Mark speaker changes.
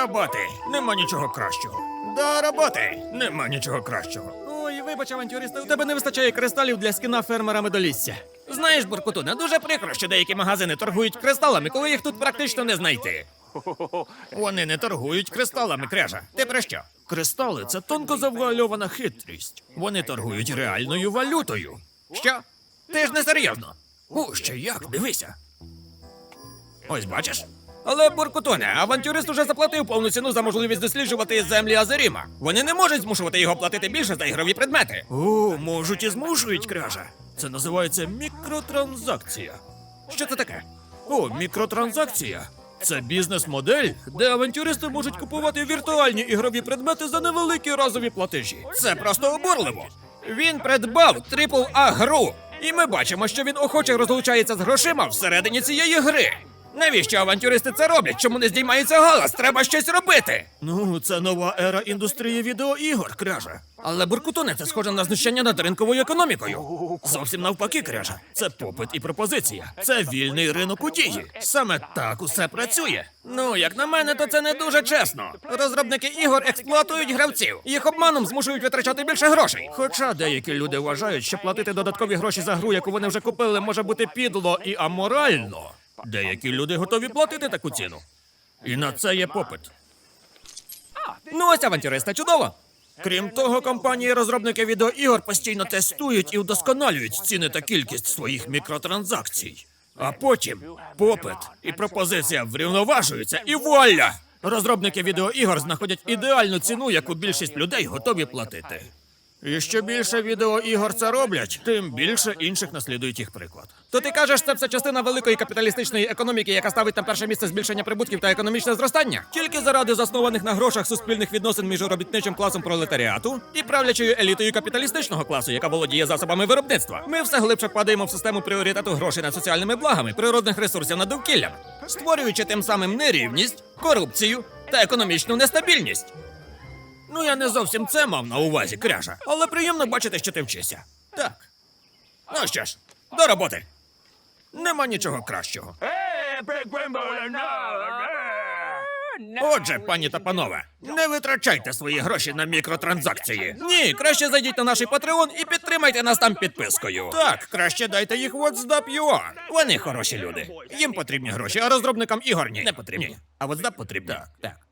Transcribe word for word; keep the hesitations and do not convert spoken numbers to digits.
Speaker 1: роботи! Нема нічого кращого. До роботи! Нема нічого кращого.
Speaker 2: Ой, вибач, авантюристи, у тебе не вистачає кристалів для скіна фермера медолісся.
Speaker 1: Знаєш, Буркутуне, дуже прикро, що деякі магазини торгують кристалами, коли їх тут практично не знайти. Вони не торгують кристалами, Кряжа. Ти про що? Кристали – це тонко завуальована хитрість. Вони торгують реальною валютою. Що? Ти ж не серйозно. О, ще як, дивися. Ось бачиш? Але, Буркутоне, авантюрист уже заплатив повну ціну за можливість досліджувати землі Азеріма. Вони не можуть змушувати його платити більше за ігрові предмети. О, можуть і змушують, Кряжа. Це називається мікротранзакція. Що це таке? О, мікротранзакція. Це бізнес-модель, де авантюристи можуть купувати віртуальні ігрові предмети за невеликі разові платежі. Це просто обурливо. Він придбав трипл А гру, і ми бачимо, що він охоче розлучається з грошима всередині цієї гри. Навіщо авантюристи це роблять? Чому не здіймається галас? Треба щось робити! Ну, це нова ера індустрії відеоігор, Кряжа. Але, Буркутоне, це схоже на знущання над ринковою економікою. Зовсім навпаки, Кряжа. Це попит і пропозиція. Це вільний ринок у дії. Саме так усе працює. Ну, як на мене, то це не дуже чесно. Розробники ігор експлуатують гравців. Їх обманом змушують витрачати більше грошей. Хоча деякі люди вважають, що платити додаткові гроші за гру, яку вони вже купили, може бути підло і аморально. Деякі люди готові платити таку ціну. І на це є попит. Ну ось авантюриста, чудово! Крім того, компанії-розробники відеоігор постійно тестують і вдосконалюють ціни та кількість своїх мікротранзакцій. А потім попит і пропозиція врівноважуються і вуаля! Розробники відеоігор знаходять ідеальну ціну, яку більшість людей готові платити. І що більше відеоігор це роблять, тим більше інших наслідують їх приклад. То ти кажеш, це все частина великої капіталістичної економіки, яка ставить на перше місце збільшення прибутків та економічне зростання? Тільки заради заснованих на грошах суспільних відносин між робітничим класом пролетаріату і правлячою елітою капіталістичного класу, яка володіє засобами виробництва. Ми все глибше впадаємо в систему пріоритету грошей над соціальними благами, природних ресурсів над довкіллям, створюючи тим самим нерівність, корупцію та економічну нестабільність. Ну, я не зовсім це мав на увазі, Кряжа, але приємно бачити, що ти вчишся. Так. Ну що ж, до роботи. Нема нічого кращого. Отже, пані та панове, не витрачайте свої гроші на мікротранзакції. Ні, краще зайдіть на наш Patreon і підтримайте нас там підпискою. Так, краще дайте їх WhatsApp точка ю а. Вони хороші люди. Їм потрібні гроші, а розробникам ігор ні. Не потрібні. А WhatsApp потрібні. Так, так.